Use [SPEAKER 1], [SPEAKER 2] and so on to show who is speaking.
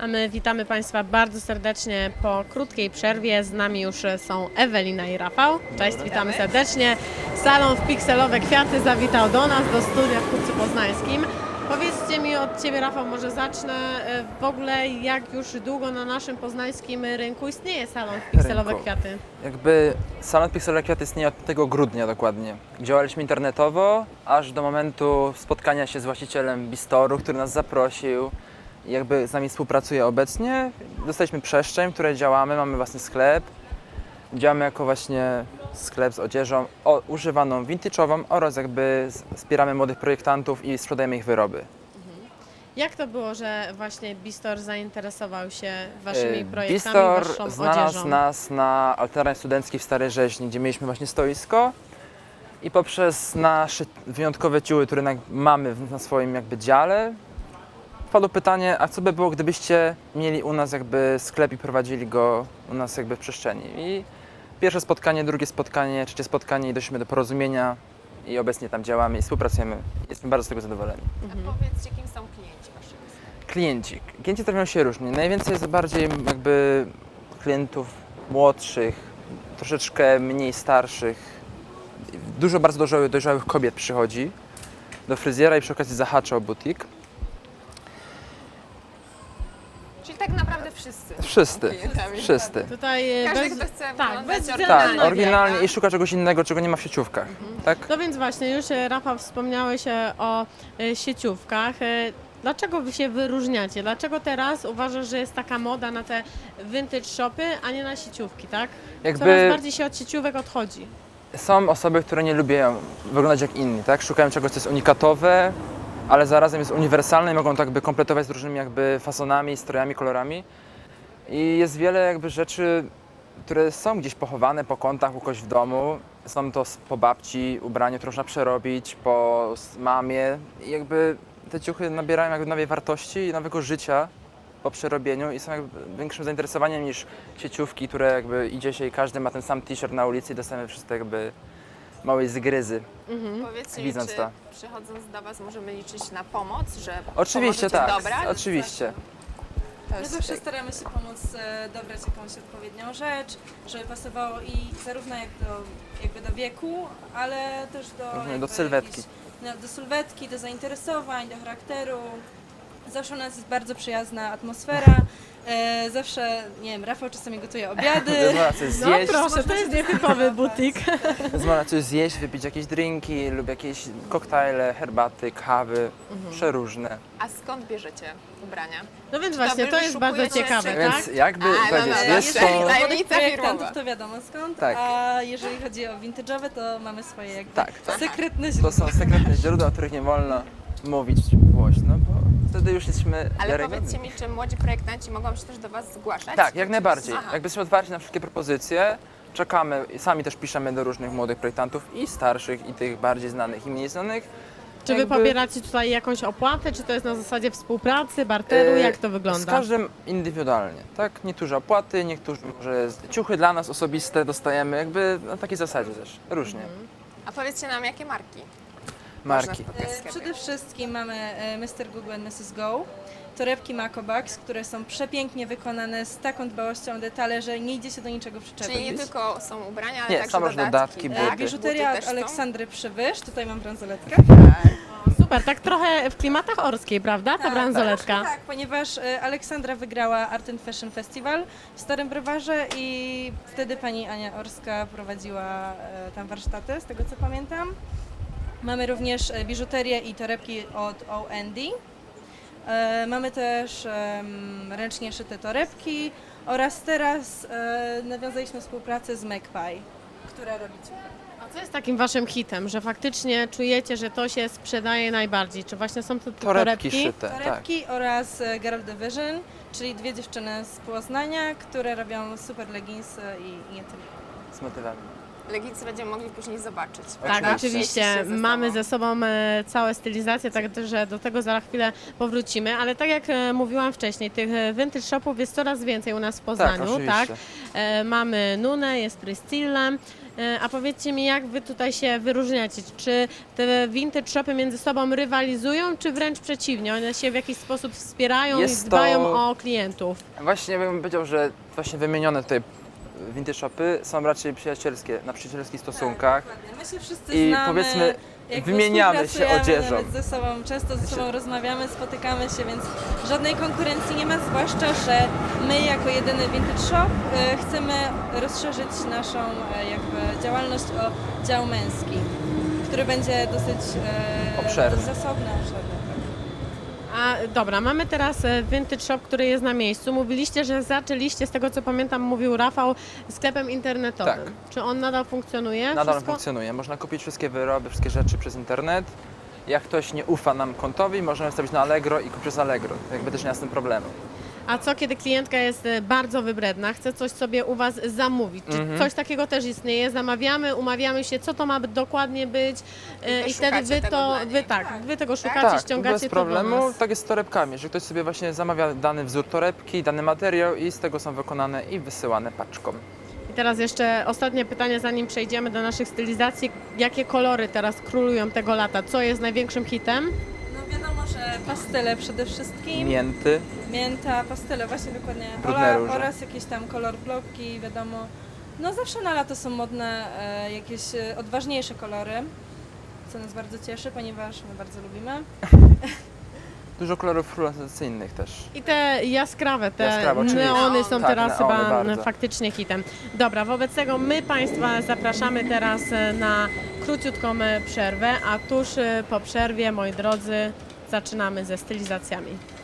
[SPEAKER 1] A my witamy Państwa bardzo serdecznie po krótkiej przerwie. Z nami już są Ewelina i Rafał. Cześć, witamy serdecznie. Salon w Pikselowe Kwiaty zawitał do nas, do studia w Kupcu Poznańskim. Powiedzcie mi od Ciebie, Rafał, może zacznę. W ogóle jak już długo na naszym poznańskim rynku istnieje salon w Pikselowe Kwiaty?
[SPEAKER 2] Salon Pikselowe Kwiaty istnieje od 5 grudnia dokładnie. Działaliśmy internetowo, aż do momentu spotkania się z właścicielem Bistoru, który nas zaprosił i z nami współpracuje obecnie. Dostaliśmy przestrzeń, w której działamy, mamy własny sklep. Działamy jako właśnie sklep z odzieżą używaną, vintage'ową oraz wspieramy młodych projektantów i sprzedajemy ich wyroby.
[SPEAKER 1] Jak to było, że właśnie Bistor zainteresował się Waszymi projektami,
[SPEAKER 2] Bistor
[SPEAKER 1] Waszą
[SPEAKER 2] znalazł
[SPEAKER 1] odzieżą?
[SPEAKER 2] nas na Alternach Studenckich w Starej Rzeźni, gdzie mieliśmy właśnie stoisko i poprzez nasze wyjątkowe ciuchy, które mamy na swoim dziale, wpadło pytanie, a co by było, gdybyście mieli u nas sklep i prowadzili go u nas w przestrzeni. I pierwsze spotkanie, drugie spotkanie, trzecie spotkanie i doszliśmy do porozumienia i obecnie tam działamy i współpracujemy. Jesteśmy bardzo z tego zadowoleni.
[SPEAKER 3] A powiedzcie, kim są klienci wasi?
[SPEAKER 2] Klienci trafią się różnie. Najwięcej jest bardziej klientów młodszych, troszeczkę mniej starszych. Bardzo dojrzałych kobiet przychodzi do fryzjera i przy okazji zahacza o butik.
[SPEAKER 3] Czyli tak naprawdę wszyscy.
[SPEAKER 2] Wszyscy.
[SPEAKER 1] Tutaj
[SPEAKER 3] Każdy,
[SPEAKER 1] bez...
[SPEAKER 3] kto chce
[SPEAKER 1] tak,
[SPEAKER 3] wyglądać
[SPEAKER 1] bez
[SPEAKER 3] oryginalnie.
[SPEAKER 1] względu
[SPEAKER 2] Tak,
[SPEAKER 1] na
[SPEAKER 2] oryginalnie
[SPEAKER 1] wiek,
[SPEAKER 2] i szuka czegoś innego, czego nie ma w sieciówkach. Tak?
[SPEAKER 1] No więc właśnie, już Rafał wspomniałeś o sieciówkach. Dlaczego Wy się wyróżniacie? Dlaczego teraz uważasz, że jest taka moda na te vintage shopy, a nie na sieciówki, tak? Coraz bardziej się od sieciówek odchodzi.
[SPEAKER 2] Są osoby, które nie lubią wyglądać jak inni, tak? Szukają czegoś, co jest unikatowe, ale zarazem jest uniwersalne i mogą to kompletować z różnymi fasonami, strojami, kolorami. I jest wiele rzeczy, które są gdzieś pochowane po kątach u kogoś w domu. Są to po babci ubranie, które można przerobić, po mamie. I te ciuchy nabierają nowej wartości i nowego życia po przerobieniu i są większym zainteresowaniem niż sieciówki, które idzie się i każdy ma ten sam t-shirt na ulicy i dostajemy wszyscy małej zgryzy.
[SPEAKER 3] Powiedzcie mi,
[SPEAKER 2] Widząc
[SPEAKER 3] czy
[SPEAKER 2] to.
[SPEAKER 3] przychodząc do Was możemy liczyć na pomoc, że
[SPEAKER 2] Oczywiście
[SPEAKER 3] pomożecie
[SPEAKER 2] tak,
[SPEAKER 3] dobrać?
[SPEAKER 2] oczywiście.
[SPEAKER 3] To
[SPEAKER 4] My
[SPEAKER 3] jest
[SPEAKER 4] zawsze staramy się pomóc dobrać jakąś odpowiednią rzecz, żeby pasowało i zarówno do wieku, ale też
[SPEAKER 2] Do sylwetki.
[SPEAKER 4] Do sylwetki, do zainteresowań, do charakteru. Zawsze u nas jest bardzo przyjazna atmosfera. Zawsze, nie wiem, Rafał czasami gotuje obiady.
[SPEAKER 2] Można coś
[SPEAKER 1] No
[SPEAKER 2] zjeść,
[SPEAKER 1] proszę, to jest nietypowy butik.
[SPEAKER 2] można coś zjeść, wypić jakieś drinki lub jakieś koktajle, herbaty, kawy, przeróżne.
[SPEAKER 3] A skąd bierzecie ubrania?
[SPEAKER 1] No więc
[SPEAKER 3] To
[SPEAKER 1] właśnie,
[SPEAKER 3] wy
[SPEAKER 1] to jest bardzo
[SPEAKER 3] wyszukujecie
[SPEAKER 1] ciekawe,
[SPEAKER 2] Więc
[SPEAKER 1] tak?
[SPEAKER 2] powiedzieć, jest
[SPEAKER 3] jeżeli
[SPEAKER 2] to...
[SPEAKER 3] tajemnica
[SPEAKER 4] projektantów
[SPEAKER 3] firmowa.
[SPEAKER 4] to wiadomo skąd,
[SPEAKER 2] Tak.
[SPEAKER 4] a jeżeli chodzi o vintage'owe, to mamy swoje
[SPEAKER 2] Tak.
[SPEAKER 4] sekretne
[SPEAKER 2] To
[SPEAKER 4] źródła.
[SPEAKER 2] są sekretne źródła, o których nie wolno mówić głośno, bo wtedy już jesteśmy
[SPEAKER 3] Ale
[SPEAKER 2] wiarygodni.
[SPEAKER 3] powiedzcie mi, czy młodzi projektanci mogą się też do Was zgłaszać?
[SPEAKER 2] Tak, jak najbardziej.
[SPEAKER 3] Aha.
[SPEAKER 2] Jesteśmy otwarci na wszystkie propozycje, czekamy, sami też piszemy do różnych młodych projektantów i starszych, i tych bardziej znanych, i mniej znanych.
[SPEAKER 1] Czy Wy pobieracie tutaj jakąś opłatę, czy to jest na zasadzie współpracy, barteru, jak to
[SPEAKER 2] Z
[SPEAKER 1] wygląda?
[SPEAKER 2] każdym indywidualnie, tak? Niektórzy opłaty, niektórzy może ciuchy dla nas osobiste dostajemy, na takiej zasadzie też, różnie.
[SPEAKER 3] A powiedzcie nam, jakie marki?
[SPEAKER 2] Marki.
[SPEAKER 3] Można spotkać w sklepie?
[SPEAKER 4] Przede wszystkim mamy Mr. Google and Mrs. Go, torebki Macobax, które są przepięknie wykonane z taką dbałością o detale, że nie idzie się do niczego przyczepić.
[SPEAKER 3] Czyli nie tylko są ubrania, ale
[SPEAKER 2] Nie,
[SPEAKER 3] także
[SPEAKER 2] są różne dodatki, buty.
[SPEAKER 4] Biżuteria
[SPEAKER 3] Buty
[SPEAKER 4] od
[SPEAKER 3] też są?
[SPEAKER 4] Aleksandry Przybysz, tutaj mam bransoletkę.
[SPEAKER 1] Super, tak trochę w klimatach Orskiej, prawda, ta bransoletka?
[SPEAKER 4] Tak, ponieważ Aleksandra wygrała Art and Fashion Festival w Starym Browarze i wtedy pani Ania Orska prowadziła tam warsztaty, z tego co pamiętam. Mamy również biżuterię i torebki od O&D. Mamy też ręcznie szyte torebki oraz teraz nawiązaliśmy współpracę z Magpie, która robi ciuchy.
[SPEAKER 1] A co jest takim Waszym hitem, że faktycznie czujecie, że to się sprzedaje najbardziej? Czy właśnie są to te
[SPEAKER 2] Torebki szyte, tak.
[SPEAKER 4] Torebki oraz Girl Division, czyli dwie dziewczyny z Poznania, które robią super leginsy i nie tylko.
[SPEAKER 2] Z motywami.
[SPEAKER 3] Leginsy będziemy mogli później zobaczyć.
[SPEAKER 1] Tak,
[SPEAKER 3] prawda?
[SPEAKER 1] oczywiście.
[SPEAKER 3] Jeśli się
[SPEAKER 1] Mamy
[SPEAKER 3] sobą.
[SPEAKER 1] ze sobą całe stylizacje, także do tego za chwilę powrócimy. Ale tak jak mówiłam wcześniej, tych vintage shopów jest coraz więcej u nas w Poznaniu.
[SPEAKER 2] oczywiście.
[SPEAKER 1] Mamy Nunę, jest Priscilla. A powiedzcie mi, jak wy tutaj się wyróżniacie? Czy te vintage shopy między sobą rywalizują, czy wręcz przeciwnie? One się w jakiś sposób wspierają
[SPEAKER 2] Jest
[SPEAKER 1] i dbają
[SPEAKER 2] to-
[SPEAKER 1] o klientów?
[SPEAKER 2] Właśnie bym powiedział, że właśnie wymienione tutaj vintage shopy są raczej przyjacielskie, na przyjacielskich stosunkach.
[SPEAKER 4] My się wszyscy
[SPEAKER 2] I
[SPEAKER 4] znamy.
[SPEAKER 2] powiedzmy,
[SPEAKER 4] jakby
[SPEAKER 2] wymieniamy się
[SPEAKER 4] współpracujemy
[SPEAKER 2] odzieżą.
[SPEAKER 4] nawet ze sobą, często ze sobą rozmawiamy, spotykamy się, więc żadnej konkurencji nie ma, zwłaszcza, że my jako jedyny vintage shop chcemy rozszerzyć naszą jakby działalność o dział męski, który będzie dosyć
[SPEAKER 2] Obszerny.
[SPEAKER 4] zasobny, obszerny.
[SPEAKER 1] A dobra, mamy teraz vintage shop, który jest na miejscu. Mówiliście, że zaczęliście, z tego co pamiętam, mówił Rafał, sklepem internetowym.
[SPEAKER 2] Tak.
[SPEAKER 1] Czy on nadal funkcjonuje?
[SPEAKER 2] Nadal
[SPEAKER 1] Wszystko?
[SPEAKER 2] funkcjonuje. Można kupić wszystkie wyroby, wszystkie rzeczy przez internet. Jak ktoś nie ufa nam kontowi, możemy wstawić na Allegro i kupić przez Allegro. Jakby też nie ma z tym problemu.
[SPEAKER 1] A co kiedy klientka jest bardzo wybredna, chce coś sobie u Was zamówić? Czy coś takiego też istnieje? Zamawiamy, umawiamy się, co to ma dokładnie być i wtedy
[SPEAKER 3] szukacie
[SPEAKER 1] Wy
[SPEAKER 3] tego
[SPEAKER 1] to,
[SPEAKER 3] dla niej, tak?
[SPEAKER 1] Wy tego szukacie,
[SPEAKER 2] Tak,
[SPEAKER 1] ściągacie
[SPEAKER 2] bez
[SPEAKER 1] to
[SPEAKER 2] problemu.
[SPEAKER 1] do nas.
[SPEAKER 2] Tak jest z torebkami, że ktoś sobie właśnie zamawia dany wzór torebki, dany materiał i z tego są wykonane i wysyłane paczką.
[SPEAKER 1] I teraz jeszcze ostatnie pytanie, zanim przejdziemy do naszych stylizacji. Jakie kolory teraz królują tego lata? Co jest największym hitem?
[SPEAKER 4] No wiadomo, że pastele przede wszystkim.
[SPEAKER 2] Mięty.
[SPEAKER 4] Mięta, pastele, właśnie dokładnie.
[SPEAKER 2] Brudne róże.
[SPEAKER 4] Oraz jakieś tam kolor bloki, wiadomo. No zawsze na lato są modne jakieś odważniejsze kolory, co nas bardzo cieszy, ponieważ my bardzo lubimy.
[SPEAKER 2] Dużo kolorów fluorescencyjnych też.
[SPEAKER 1] I te jaskrawe, te
[SPEAKER 2] Jaskrawe, oczywiście.
[SPEAKER 1] neony są
[SPEAKER 2] Tak,
[SPEAKER 1] teraz
[SPEAKER 2] neony
[SPEAKER 1] chyba
[SPEAKER 2] bardzo.
[SPEAKER 1] faktycznie hitem. Dobra, wobec tego my Państwa zapraszamy teraz na króciutką przerwę, a tuż po przerwie, moi drodzy, zaczynamy ze stylizacjami.